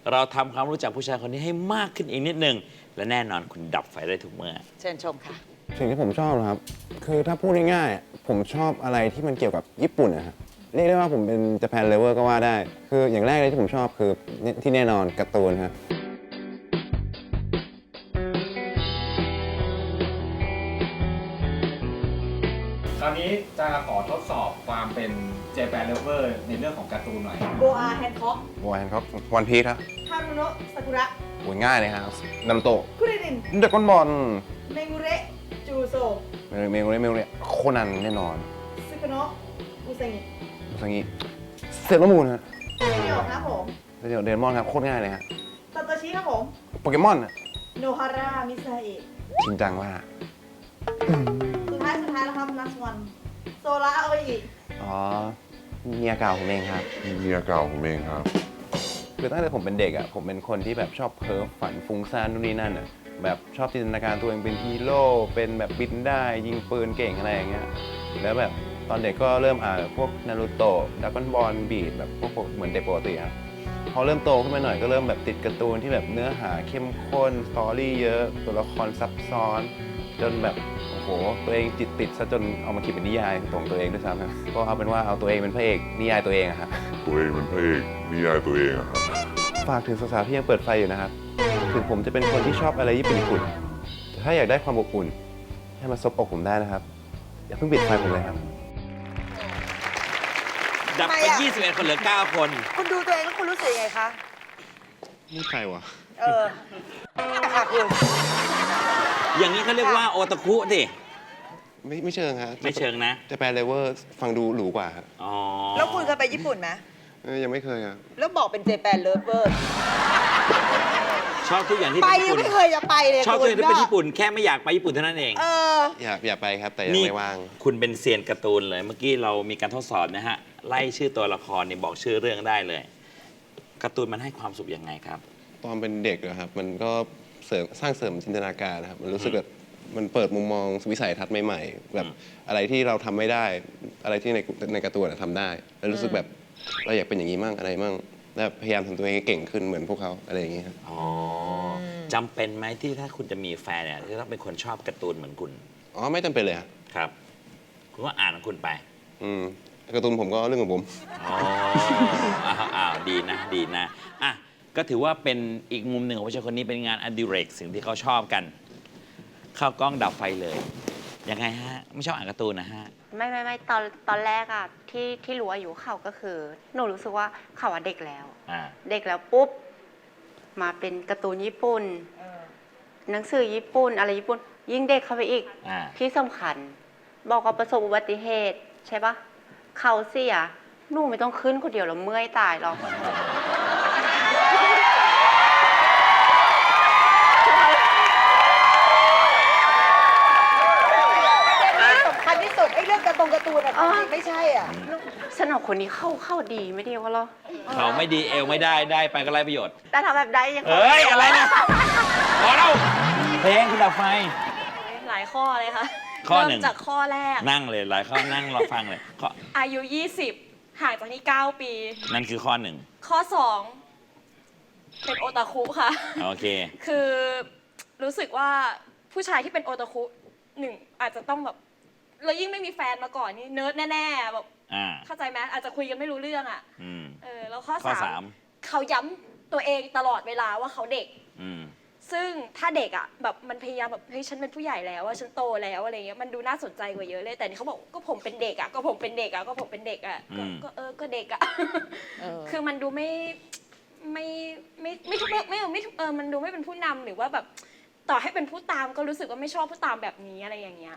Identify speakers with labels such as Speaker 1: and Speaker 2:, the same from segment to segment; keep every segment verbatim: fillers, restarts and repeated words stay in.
Speaker 1: เราทำความรู้จักผู้ชายคนนี้ให้มากขึ้นอีกนิดนึงและแน่นอนคุณดับไฟได้ทุกเมื่อ
Speaker 2: เชิญชมค่ะ
Speaker 3: สิ่งที่ผมชอบนะครับคือถ้าพูดง่ายๆผมชอบอะไรที่มันเกี่ยวกับญี่ปุ่นนะครับเรียกได้ว่าผมเป็น Japan Lover ก็ว่าได้คืออย่างแรกเลยที่ผมชอบคือที่แน่นอนการ์ตูนครับ
Speaker 4: ตอนนี้จะขอทดสอบความเป็น Japan Lover ในเรื่องของการ์ตูนหน่อย
Speaker 2: โบอาแฮนค็อก
Speaker 3: โบอาแฮนค็อกวันพีซครับ
Speaker 2: ฮารุโนะซากุระ
Speaker 3: โอ้ยง่ายเลยครับนารูโตะ
Speaker 2: คุริริน
Speaker 3: ดราก้อนบอล
Speaker 2: เมงุเระจูโซ
Speaker 3: เมลเมลเมลโคนันแน่นอน
Speaker 2: ซึกุโนะอุซางิ
Speaker 3: อุซางิเซเลอร์มูนฮะ
Speaker 2: เดี่ยวครับผม
Speaker 3: เดี๋ยวเดนมอนครับโคตรง่ายเลยฮะ
Speaker 2: ซาโตชิครับผม
Speaker 3: โปเกมอน
Speaker 2: โนฮาระมิซาเอะ
Speaker 3: จริงจังว่า
Speaker 2: สุดท้ายสุดท้ายแล้วครับลัสวันโซล่าโออิ
Speaker 3: อ๋อเมียเก่าผมเองครับ
Speaker 5: เมียเก่าผมเองครับ
Speaker 3: คือตั้งแต่ผมเป็นเด็กอ่ะผมเป็นคนที่แบบชอบเพ้อฝันฟุ้งซ่านนู่นนี่นั่นอ่ะแบบชอบจินตนาการตัวเองเป็นฮีโร่เป็นแบบบินได้ยิงปืนเก่งอะไรอย่างเงี้ยแล้วแบบตอนเด็กก็เริ่มอ่านพวกนารูโตะดราก้อนบอลบีดแบบพวกเหมือนเด็กปกติครับพอเริ่มโตขึ้นมาหน่อยก็เริ่มแบบติดการ์ตูนที่แบบเนื้อหาเข้มข้นสตอรี่เยอะตัวละครซับซ้อนจนแบบโอ้โหตัวเองจิตติดซะจนเอามาเขียนเป็นนิยายของตัวเองด้วยซ้ำนะก็เอาเป็นว่าเอาตัวเองเป็นพระเอกนิยายตัวเองอะครับ
Speaker 5: ตัวเองเป็นพระเอกนิยายตัวเองอะครับ
Speaker 3: ฝากถึงสาวๆที่ยังเปิดไฟอยู่นะครับถึงผมจะเป็นคนที่ชอบอะไรญี่ปุ่นๆแต่ถ้าอยากได้ความอบอุ่นให้มาซบอกผมได้นะครับอย่าเพิ่งปิดไฟผมเลยครับ
Speaker 1: ดับไปยี่สิบเอ็ดคนเหลือเก้าคน
Speaker 2: คุณดูตัวเองแล้วคุณรู้สึกยังไงคะ
Speaker 3: นี่ใครวะ
Speaker 2: เออค่ะคุณ
Speaker 1: อย่างนี้เขาเรียกว่าโอตาคุดิ
Speaker 3: ไม่ไม่เชิงครับ
Speaker 1: ไม่เชิงนะ
Speaker 3: แต่แปลเลเวอร์ฟังดูหรูกว่าครับ
Speaker 1: อ๋อ
Speaker 2: แล้วคุณเคยไปญี่ปุ่นไหม
Speaker 3: ยังไม่เคยครับ
Speaker 2: แล้วบอกเป็นเจแปนเลิฟเวอร์
Speaker 1: ชอบทุกอย่างที่
Speaker 2: ไป
Speaker 1: เป็นญี่ปุ่น
Speaker 2: ไม่เคยจะไปเลย
Speaker 1: ชอบทุกอย่างที่เป็นญี่ปุ่นแค่ไม่อยากไปญี่ปุ่นเท่านั้นเอง
Speaker 2: เออ
Speaker 3: อยากอยากไปครับแต่ยังไม่ว่าง
Speaker 1: คุณเป็นเซียนการ์ตูนเลยเมื่อกี้เรามีการทดสอบนะฮะไล่ชื่อตัวละครเนี่ยบอกชื่อเรื่องได้เลยการ์ตูนมันให้ความสุขยังไงครับ
Speaker 3: ตอนเป็นเด็กอะครับมันก็เสริมสร้างเสริมจินตนาการนะครับมันรู้สึกแบบมันเปิดมุมมองวิสัยทัศน์ใหม่ๆแบบอะไรที่เราทำไม่ได้อะไรที่ในในการ์ตูนทำได้แล้วรู้สึกแบบเราอยากเป็นอย่างนี้มั่งอะไรมั่งแล้วพยายามทำตัวเองให้เก่งขึ้นเหมือนพวกเขาอะไรอย่างนี้ครับ
Speaker 1: อ๋อจำเป็นไหมที่ถ้าคุณจะมีแฟนเนี่ยจะต้องเป็นคนชอบการ์ตูนเหมือนคุณ
Speaker 3: อ๋อไม่จำเป็นเลยครับ
Speaker 1: ครับคุณก็อ่านของคุณไป
Speaker 3: อืมการ์ตูนผมก็เรื่องของผม
Speaker 1: อ๋ออ้าวดีนะดีนะอ่ะก็ถือว่าเป็นอีกมุมหนึ่งของผู้ชายคนนี้เป็นงานอดิเรกสิ่งที่เขาชอบกันเข้ากล้องดับไฟเลยยังไงฮะไม่ชอบอ่านการ์ตูนนะฮะ
Speaker 6: ไม่ไม่ไม่ตอนตอนแรกอะที่ที่รู้อายุเขาก็คือหนูรู้สึกว่าเขาอะเด็กแล้วเด็กแล้วปุ๊บมาเป็นการ์ตูนญี่ปุ่นหนังสือญี่ปุ่นอะไรญี่ปุ่นยิ่งเด็กเข้าไปอีกที่สำคัญบอกว่าประสบอุบัติเหตุใช่ปะเขาเสียหนูไม่ต้องขึ้นคนเดียวแล้วเมื่อยตายหรอก
Speaker 2: ที่สุดไอ้เรื่องการ์ตูนการ์ตูนอะไม่ใช่อ่ะ
Speaker 6: สนอคนนี้เข้าเข้าดีไม่ดีวะเหรอ
Speaker 1: เขาไม่ดีเอวไม่ได้ได้ไปก็ไรประโยชน์
Speaker 6: แต่ทำแบบได้ยัง
Speaker 1: เฮ้ยอะไรนะพอแล้วเพลงคุณดับไฟ
Speaker 7: หลายข้อเลยค่ะ
Speaker 1: ข้อหนึ่ง
Speaker 7: จากข้อแรก
Speaker 1: นั่งเลยหลายข้อนั่งรอฟังเลยข้อ
Speaker 7: อายุยี่สิบห่างจากนี่เก้าปี
Speaker 1: นั่นคือข้อหนึ่ง
Speaker 7: ข้อสองเป็นโอตาคุค่ะ
Speaker 1: โอเค
Speaker 7: คือรู้สึกว่าผู้ชายที่เป็นโอตาคุหนึ่งอาจจะต้องแบบเรายิ่งไม่มีแฟนมาก่อนนี่เนิร์ดแน่ๆแบบเข้าใจไหมอาจจะคุยกันไม่รู้เรื่องอ่ะเออแล้วข้อสามเขาย้ำตัวเองตลอดเวลาว่าเขาเด็กซึ่งถ้าเด็กอ่ะแบบมันพยายามแบบเฮ้ยฉันเป็นผู้ใหญ่แล้วว่าฉันโตแล้วอะไรเงี้ยมันดูน่าสนใจกว่าเยอะเลยแต่นี่เขาบอกก็ผมเป็นเด็กอ่ะก็ผมเป็นเด็กอ่ะก็ผมเป็นเด็กอ่ะก็เออก็เด็กอ่ะคือมันดูไม่ไม่ไม่ไม่ทุกไม่ไม่เออมันดูไม่เป็นผู้นำหรือว่าแบบต่อให้เป็นผู้ตามก็รู้สึกว่าไม่ชอบผู้ตามแบบนี้อะไรอย่างเงี้ย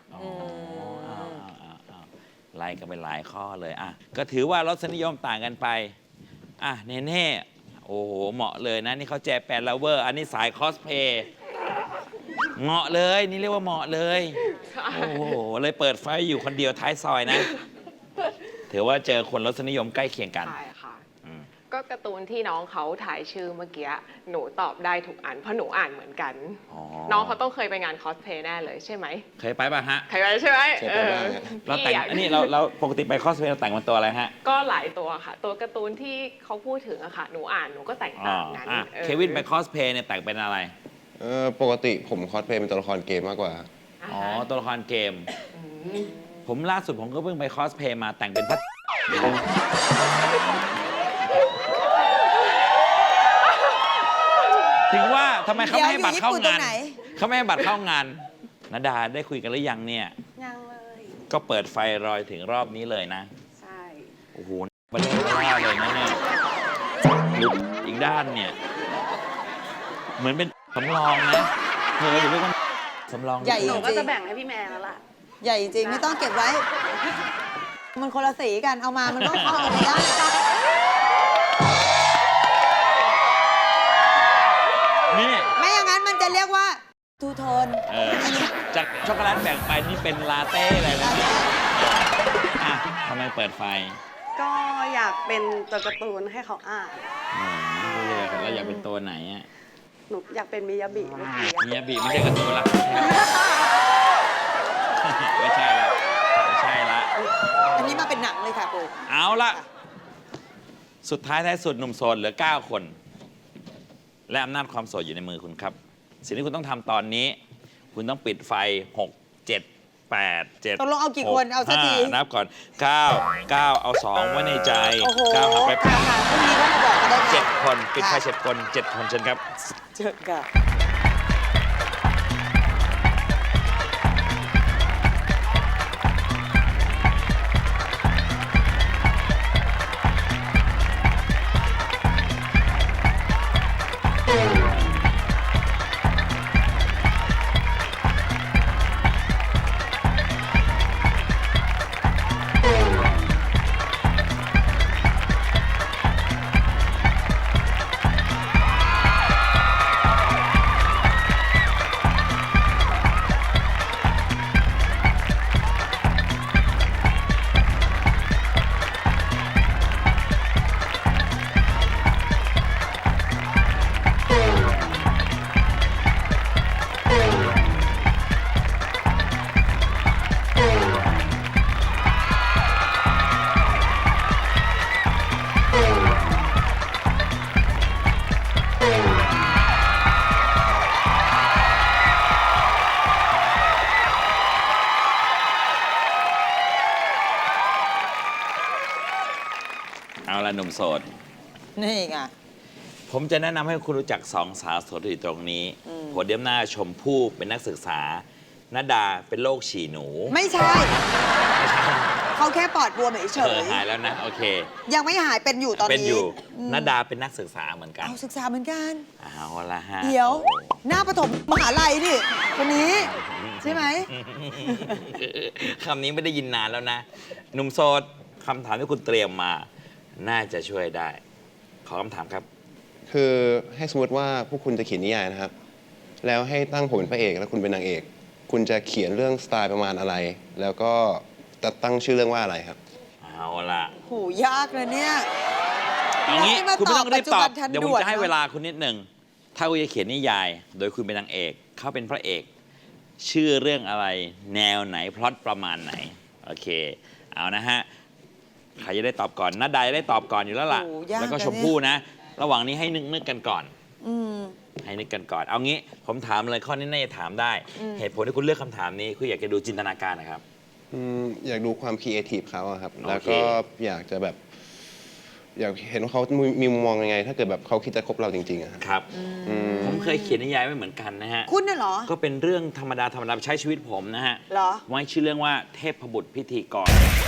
Speaker 1: ไล่กันไปหลายข้อเลยอ่ะก็ถือว่ารสนิยมต่างกันไปอ่ะเน่เน่โอ้โหเหมาะเลยนะนี่เขาแจแปนลาเวอร์อันนี้สายคอสเพย์เหมาะเลยนี่เรียกว่าเหมาะเลยโอ้โหเลยเปิดไฟอยู่คนเดียวท้ายซอยนะถือว่าเจอคนรสนิยมใกล้เคียงกัน
Speaker 8: ก็การ์ตูนที่น้องเขาถ่ายชื่อเมื่อกี้หนูตอบได้ทุกอันเพราะหนูอ่านเหมือนกัน น้องเขาต้องเคยไปงานคอสเพลย์แน่เลยใช่ไหม
Speaker 1: เคยไปป่ะฮะ
Speaker 8: เคยไปใช่ไหม
Speaker 3: เคยไปบ้างฮะ
Speaker 1: เราแต่งอันนี้เราเราปกติไปคอสเพลย์เราแต่งเป็นตัวอะไรฮะ
Speaker 8: ก็หลายตัวค่ะ ตัวการ์ตูนที่เขาพูดถึงอะค่ะหนูอ่านหนูก็แต่ง
Speaker 1: อ๋อ
Speaker 8: ตามนั้น
Speaker 1: อ่ะ
Speaker 8: ออ
Speaker 1: เควินไปคอสเพลย์เนี่ยแต่งเป็นอะไร
Speaker 3: เออปกติผมคอสเพลย์เป็นตัวละครเกมมากกว่า
Speaker 8: อ่า
Speaker 1: อ๋อ
Speaker 8: ฮะ
Speaker 1: ตัวละครเกม
Speaker 8: ม
Speaker 1: ผมล่าสุดผมก็เพิ่งไปคอสเพลย์มาแต่งเป็นพัดถึงว่าทำไมเขาไม่ให้บัตรเข้างานเขาไม่ให้บัตรเข้างานนดาได้คุยกันหรือยังเนี่ย
Speaker 6: ยังเลย
Speaker 1: ก็เปิดไฟรอยถึงรอบนี้เลยนะ
Speaker 6: ใช่
Speaker 1: โอ้โหบันเทิงมากเลยนะเนี่ยหรืออีกด้านเนี่ย เหมือนเป็นสำรองนะเธออยู่ด้วยกันสำรอง
Speaker 2: ใหญ่
Speaker 6: หนูก็
Speaker 2: จริ
Speaker 6: จะ
Speaker 2: ง
Speaker 6: แบ่งให้พี่แม่แล้วล่ะ
Speaker 2: ใหญ่จริงไม่ต้องเก็บไว้ มันคนละสีกันเอามามันก็เข้ากันได้
Speaker 1: นี่
Speaker 2: ไม่อย่างนั้นมันจะเรียกว่าทูโทน
Speaker 1: เออจากช็อกโกแลตแบ่งไปนี่เป็นลาเต้เลยนะอ่ะทำไมเปิดไฟ
Speaker 6: ก็อยากเป็นตัวการ์ตูนให้เขาอ่าน
Speaker 1: อืมเราอยากเป็นตัวไหนอ่ะ
Speaker 6: หนูอยากเป็นมิยาบิเมื่อกี้
Speaker 1: มิยาบิไม่ใช่การ์ตูนละไม่ใช่ละไม่ใช่ละ
Speaker 2: อันนี้มาเป็นหนังเลยค่ะปู
Speaker 1: เอาละสุดท้ายท้ายสุดหนุ่มโสดเหลือ เก้า คน และอำนาจความโสดอยู่ในมือคุณครับ สิ่งที่คุณต้องทำตอนนี้ คุณต้องปิดไฟ หก เจ็ด แปด เจ็ด
Speaker 2: ตกลงเอากี่คนเอาสักที
Speaker 1: ห้นับก่อน เก้า เก้า เอา สอง ไว้ในใจ
Speaker 2: โอ้โห
Speaker 1: เก้าหักไปแป
Speaker 2: ค่ะ
Speaker 1: ด
Speaker 2: ค่ะพรุ่งนี้ก็มาบอกกันได้ค่ะ
Speaker 1: เจ็ดคน ปิดไฟ
Speaker 2: ค่ะ
Speaker 1: เจ็ดคนเจ็ดคนเชิญครับ
Speaker 2: เชิญค่ะ
Speaker 1: เอาละหนุ่มโสด
Speaker 2: นี่ไง
Speaker 1: ผมจะแนะนำให้คุณรู้จักสองสาวโสดที่อยู่ตรงนี้
Speaker 2: อืม
Speaker 1: โพเดียมหน้าชมพู่เป็นนักศึกษาณดาเป็นโรคฉี่หนู
Speaker 2: ไม่ใช่ เขาแค่ปอดบวมเฉ
Speaker 1: เออย หายแล้วนะ โอเค
Speaker 2: ๆยังไม่หายเป็นอยู่ตอนนี้
Speaker 1: เป็นอยู่
Speaker 2: ม
Speaker 1: ณดาเป็นนักศึกษาเหมือนกัน
Speaker 2: เอาศึกษาเหมือนกัน
Speaker 1: เอาละฮะ
Speaker 2: เดี๋ยว หน้าปฐมมหาลัยนี่คนนี้ ใช่ไหม
Speaker 1: คำนี้ไม่ได้ยินนานแล้วนะ หนุ่มโสดคำถามที่คุณเตรียมมา น่าจะช่วยได้ ขอคำถามครับ
Speaker 3: คือให้สมมติว่าพวกคุณจะเขียนนิยายนะครับ แล้วให้ตั้งผมเป็นพระเอกแล้วคุณเป็นนางเอก คุณจะเขียนเรื่องสไตล์ประมาณอะไร แล้วก็จะตั้งชื่อเรื่องว่าอะไรครับ
Speaker 1: เอาละ
Speaker 2: โหยากเลยเนี่ย
Speaker 1: เอางี้
Speaker 2: แล้วนี่มา
Speaker 1: คุณไม่ต้องรีบตอบ
Speaker 2: ตอบปัจจุบันทัน
Speaker 1: เดี๋ยวผม
Speaker 2: ด่วน
Speaker 1: จะให้
Speaker 2: เนอะ
Speaker 1: เวลาคุณนิดหนึ่ง ถ้าคุณจะเขียนนิยาย โดยคุณเป็นนางเอก เขาเป็นพระเอก ชื่อเรื่องอะไร แนวไหน พล็อตประมาณไหน โอเค เอานะฮะ ใครจะได้ตอบก่อนนัดใดได้ตอบก่อนอยู่แล้วล่ะ
Speaker 2: โอ้ยาก
Speaker 1: แล้วก็
Speaker 2: นะ
Speaker 1: ชมพู่นะ ระหว่างนี้ให้นึกนึกกันก่อน
Speaker 2: อืม
Speaker 1: ให้นึกกันก่อน เอางี้ ผมถามเลยข้อนี้น่าจะถามได้
Speaker 2: อืม
Speaker 1: เหตุผลที่คุณเลือกคำถามนี้คืออยากจะดูจินตนาการนะครับ
Speaker 3: อืมอยากดูความครีเอทีฟเขาอะครับ
Speaker 1: โอเค
Speaker 3: แล้วก็อยากจะแบบ อยากเห็นว่าเขามีมีมุมมองยังไง ถ้าเกิดแบบเขาคิดจะคบเราจริงๆอะครับ
Speaker 1: ครับ
Speaker 3: อืม
Speaker 1: ผมเคยเขียนนิยายไว้เหมือนกันนะฮะ
Speaker 2: คุณน่ะเหรอ
Speaker 1: ก็เป็นเรื่องธรรมดาธรรมดาใช้ชีวิตผมนะฮะ
Speaker 2: เหรอ
Speaker 1: ไว้ชื่อเรื่องว่าเทพบุตรพิธีกร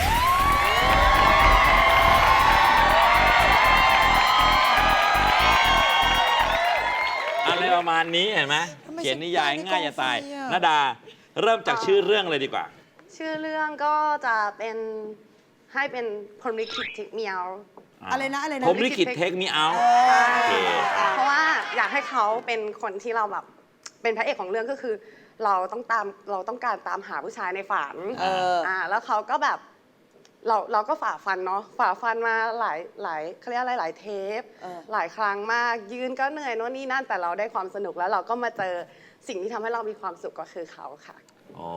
Speaker 1: อะไรประมาณนี้เห็นไหม
Speaker 2: ทำไม
Speaker 1: เขียนนิยาย
Speaker 2: ฉันตายใน
Speaker 1: ง่ายจะตาย
Speaker 2: กองไฟอะ
Speaker 1: นาดา เริ่มจากชื่อเรื่องเลยดีกว่า
Speaker 6: ชื่อเรื่องก็จะเป็นให้เป็นพรหมลิขิตทิกเมียว
Speaker 2: อะไรนะอะไรนะ
Speaker 1: ผมลิขิตเทคมีเอา
Speaker 2: เอ
Speaker 1: โอเค
Speaker 2: อ
Speaker 6: เพราะว่าอยากให้เขาเป็นคนที่เราแบบเป็นพระเอกของเรื่องก็คือ เราต้องตามเราต้องการตามหาผู้ชายในฝัน
Speaker 2: เออ
Speaker 6: อ่าแล้วเขาก็แบบ
Speaker 9: เราเราก็ฝ่าฟันเนาะฝ่าฟันมาหลายหลายเขาเรียกอะไรหลายเทป
Speaker 2: เออ
Speaker 9: หลายครั้งมากยืนก็เหนื่อยโน่นนี่นั่นแต่เราได้ความสนุกแล้วเราก็มาเจอสิ่งที่ทำให้เรามีความสุขก็คือเขาค่ะ
Speaker 1: อ๋อ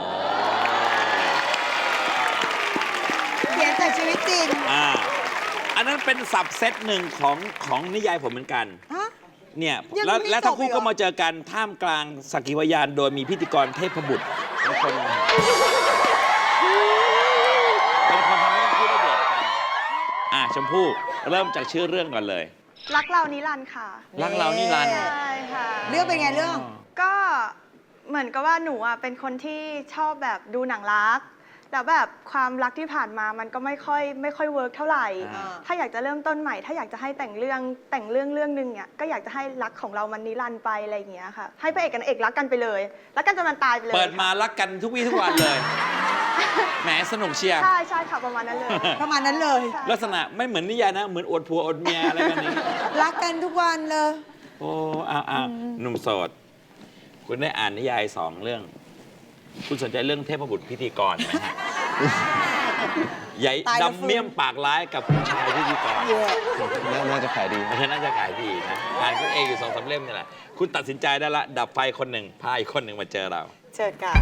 Speaker 2: เขียนจากชีวิตจริง
Speaker 1: อ่า อันนั้นเป็นสับเซตหนึ่งของของนิยายผมเหมือนกัน
Speaker 2: ฮะ
Speaker 1: เนี่ย
Speaker 2: ยัง
Speaker 1: แล้ว
Speaker 2: ไม่
Speaker 1: แล้วทั้งคู่
Speaker 2: จบอีกเหรอ
Speaker 1: ก็มาเจอกันท่ามกลางสักขีพยานโดยมีพิธีกรเทพบุตรเป็นคนเป็นคนทำให้ทั้งคู่ได้เดทกัน อ่ะชมพู่เริ่มจากชื่อเรื่องก่อนเลย
Speaker 10: รักเรานิรันดร์ค่ะ
Speaker 1: รักเรานี่รันดร์
Speaker 10: ใช่ค่ะ
Speaker 2: เรื่องเป็นไงเรื่อง
Speaker 10: ก็เหมือนกับว่าหนูอ่ะเป็นคนที่ชอบแบบดูหนังรัก แล้วแบบความรักที่ผ่านมามันก็ไม่ค่อยไม่ค่อยเวิร์กเท่าไหร่
Speaker 2: อ่า
Speaker 10: ถ้าอยากจะเริ่มต้นใหม่ ถ้าอยากจะให้แต่งเรื่องแต่งเรื่องเรื่องหนึงเนี่ยก็อยากจะให้รักของเรามันนิรันดร์ไปอะไรอย่างเงี้ยค่ะ ให้พระเอกกับนางเอกรักกันไปเลยรักกันจนมันตายไปเลย
Speaker 1: เปิดมารักกันทุกวี่ทุกวันเลย แหมสนุกเชียร์
Speaker 10: ใช่ใช่ค่ะประมาณนั้นเลย
Speaker 2: ประมาณนั้นเลย
Speaker 10: ใช่
Speaker 1: ลักษณะไม่เหมือนนิยายนะ เหมือนอวดผัวอวดเมียอะไรแบบนี้
Speaker 2: รักกันทุกวันเลย
Speaker 1: โอ้อ้าวอ้าวหนุ่มโสด คุณได้อ่านนิยายสองเรื่อง คุณสนใจเรื่องเทพบุตรพิธีกรไหมฮะ ใหญ่
Speaker 2: ตายแล้วฟื้น
Speaker 1: ดำเมี่ยมปากร้ายกับผู้ชายพิธีกร
Speaker 2: เย่
Speaker 3: น่าน่าจะขายดี
Speaker 1: เพราะฉะนั้นน่าจะขายดีนะอ่านคุณเองอยู่สองสามเล่มนี่แหละ คุณตัดสินใจได้ละ ดับไฟคนหนึ่ง พาอีกคนหนึ่งมาเจอเรา
Speaker 2: เชิญค่ะ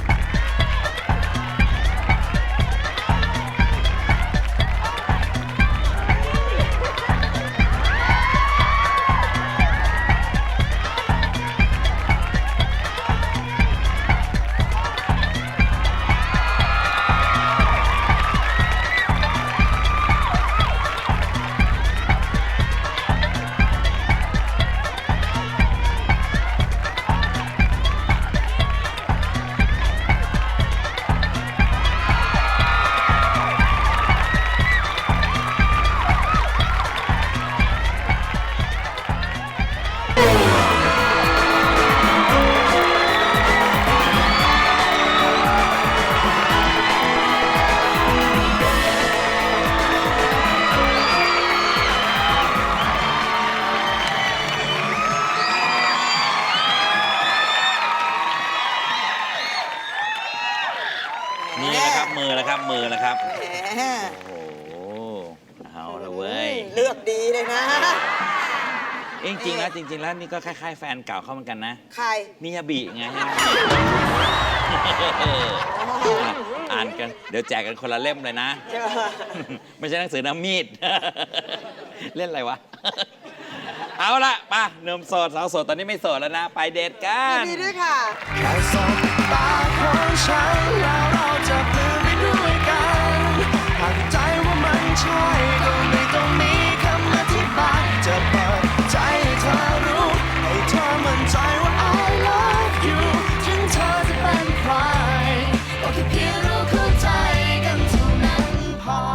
Speaker 1: มือนะครับ มือนะครับ มือนะครับ
Speaker 2: แหม
Speaker 1: โอ้โห เอาละเว้ย
Speaker 2: เลือกดีเลยนะ
Speaker 1: เอ้ยจริงๆแล้วจริง ๆ แล้วนี่ก็คล้ายๆแฟนเก่าเขาเหมือนกันนะ
Speaker 2: ใคร
Speaker 1: มิยาบิไง อ่านกัน เดี๋ยวแจกกันคนละเล่มเลยนะ
Speaker 2: เจอ
Speaker 1: ไม่ใช่หนังสือน้ำมีด เล่นอะไรวะ เอาละป่ะหนุ่มโสดสาวโสดตอนนี้ไม่โสดแล้วนะ ไปเดทกัน
Speaker 2: ดีด้วยค่ะ
Speaker 11: แค่สบตาของฉันแล้วเราจะเดินไปด้วยกันหากใจว่ามันใช่ก็ไม่ต้องมีคำอธิบายจะเปิดใจให้เธอรู้ให้เธอมั่นใจว่า I love you ถึงเธอจะเป็นใครก็แค่เพียงเราเข้าใจกันเท่านั้นพอ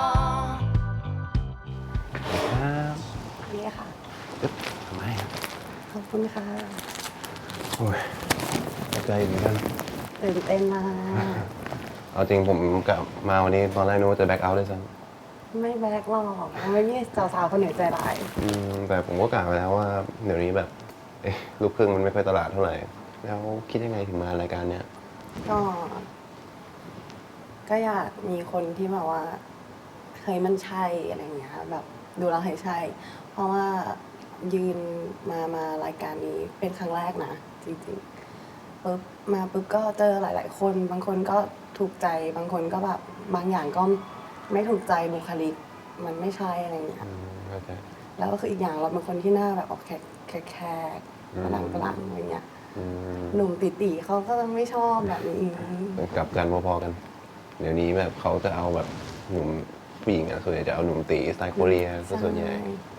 Speaker 9: นี่ค่ะ
Speaker 3: ทำไมครับ
Speaker 9: ขอบคุณค่ะ
Speaker 3: โอ้ยตกใจเหมือนกัน
Speaker 9: ตื่นเต้นมาก
Speaker 3: เอาจริงผมกลับมาวันนี้ตอนแรกนึกว่าจะแบ็คเอาท์ด้วยซ้
Speaker 9: ไม่แบกหรอกไม่มีสาวๆคนไหนใจร้าย
Speaker 3: ำอืมแต่ผมก็กล่าวไปแล้วว่าเดี๋ยวนี้แบบเอ๊ะลูกครึ่งมันไม่ค่อยตลาดเท่าไหร่ แล้วคิดยังไงถึงมารายการเนี้ย
Speaker 9: ก็ ก็อยากมีคนที่แบบว่าเคยมันใช่อะไรอย่างเงี้ยแบบดูแล้วให้ใช่ เพราะว่ายืนมามารายการนี้เป็นครั้งแรกนะจริงๆปุ๊บมาปุ๊บก็เจอหลาย ๆ คน บางคนก็ถูกใจบางคนก็แบบบางอย่างก็ไม่ถูกใจบุคลิกมันไม่ใช่อะไรอย่างเงี้ย
Speaker 3: อืมเข้าใจ
Speaker 9: แล้วก็คืออีกอย่างเราเป็นคนที่หน้าแบบออกแขกแขกแขก
Speaker 3: อืม
Speaker 9: กระลังกระลังอะไรเงี้ย
Speaker 3: อืม
Speaker 9: หนุ่มติตีเขาก็ไม่ชอบแบบนี้
Speaker 3: กลับกันพอๆกัน เดี๋ยวนี้แบบเขาจะเอาแบบหนุ่มผู้หญิงอะส่วนใหญ่จะเอาหนุ่มตีสไตล์โคเรียซะส่วนใหญ่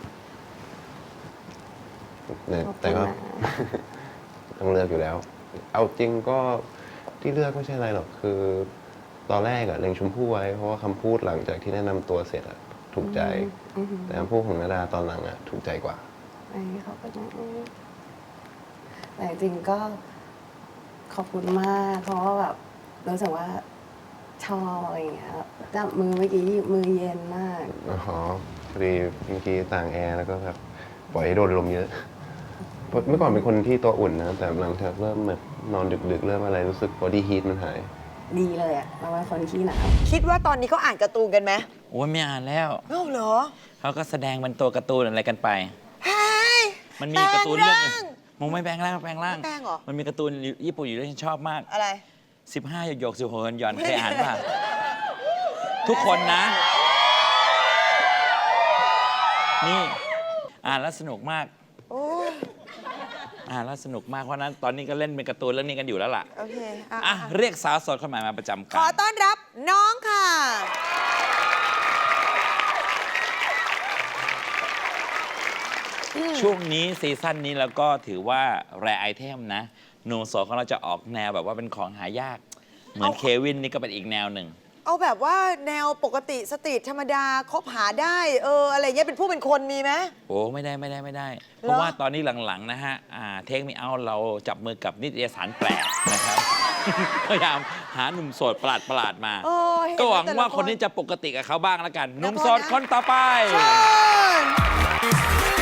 Speaker 3: แต่แต่ก็ ต้องเลือกอยู่แล้ว เอาจริงก็ที่เลือกไม่ใช่อะไรหรอกคือ ตอนแรกอะเล็งชมพู่ไว้เพราะว่าคำพูดหลังจากที่แนะนำตัวเสร็จอะถูกใจ
Speaker 9: อือหือ
Speaker 3: แต่คำพูดของนาดาตอนหลังอะถูกใจกว่า
Speaker 9: ไอ้เขาก็จะแต่จริงก็ขอบคุณมากเพราะว่าแบบรู้สึกว่าชอบอะไรอย่างเงี้ยจับมือเมื่อกี้มือเย็นมาก
Speaker 3: อ๋อพอดีเมื่อกี้ต่างแอร์แล้วก็แบบปล่อยให้โดนลมเยอะเพราะเมื่อก่อนเป็นคนที่ตัวอุ่นนะ แต่หลังจากเริ่มแบบนอนดึกๆ เริ่มอะไรรู้สึกบอดี้ฮีทมันหาย
Speaker 9: อดีเลยอะเราเป็นคนขี้หนาว
Speaker 2: คิดว่าตอนนี้เขาอ่านการ์ตูนกันไหม
Speaker 1: โอ้ยไม่อ่านแล้ว
Speaker 2: เอ้าเหรอ
Speaker 1: เขาก็แสดงเป็นตัวการ์ตูนอะไรกันไป
Speaker 2: เฮ้ย
Speaker 1: มันมีการ์ตูนเรื่องหนึง
Speaker 2: แปลงร่าง
Speaker 1: มึงไม่แปลงร่างแปลงร่าง
Speaker 2: ไม่แปลงเหรอ
Speaker 1: มันมีการ์ตูนญี่ปุ่นอยู่ด้วยฉันชอบมาก
Speaker 2: อะไร
Speaker 1: สิบห้าหยกหยกสิบหกหย่อนเคยอ่านป่ะ ทุกคนนะ นี่อ่านแล้วสนุกมาก
Speaker 2: โอ้ย
Speaker 1: อ่านแล้วสนุกมากเพราะฉะนั้นตอนนี้ก็เล่นเป็นการ์ตูนเรื่องนี้กันอยู่แล้วล่ะ
Speaker 2: โอเคอ่ะ
Speaker 1: อ่ะ เรียกสาวโสดคนใหม่มาประจำ
Speaker 2: ข
Speaker 1: กา
Speaker 2: อ
Speaker 1: ร
Speaker 2: ต้อนรับน้องค่ะ
Speaker 1: ช่วงนี้ซีซั่นนี้แล้วก็ถือว่าแรไอเทมนะหนุ่มโสดของเราจะออกแนวแบบว่าเป็นของหายาก เหมือน
Speaker 2: เอา
Speaker 1: เควินนี่ก็เป็นอีกแนวหนึ่ง
Speaker 2: เอาแบบว่าแนวปกติสตรีทธรรมดาคบหาได้ เออ อะไรเงี้ยเป็นผู้เป็นคนมีไหม
Speaker 1: โอ้ไม่ได้ไม่ได้ไม่ได้ เพราะว่าตอนนี้หลังๆนะฮะเทคมีเอาเราจับมือกับนิตยสารแปลกนะครับ พยายามหาหนุ่มโสดประหลาดประหลาดๆมา
Speaker 2: เออเน
Speaker 1: ก็หวัง
Speaker 2: แต่ละ
Speaker 1: ว่าคนนี้จะปกติกับเขาบ้างแล้วกันหนุ่มโสด
Speaker 2: นะ
Speaker 1: คนต่อไป
Speaker 2: เชิญ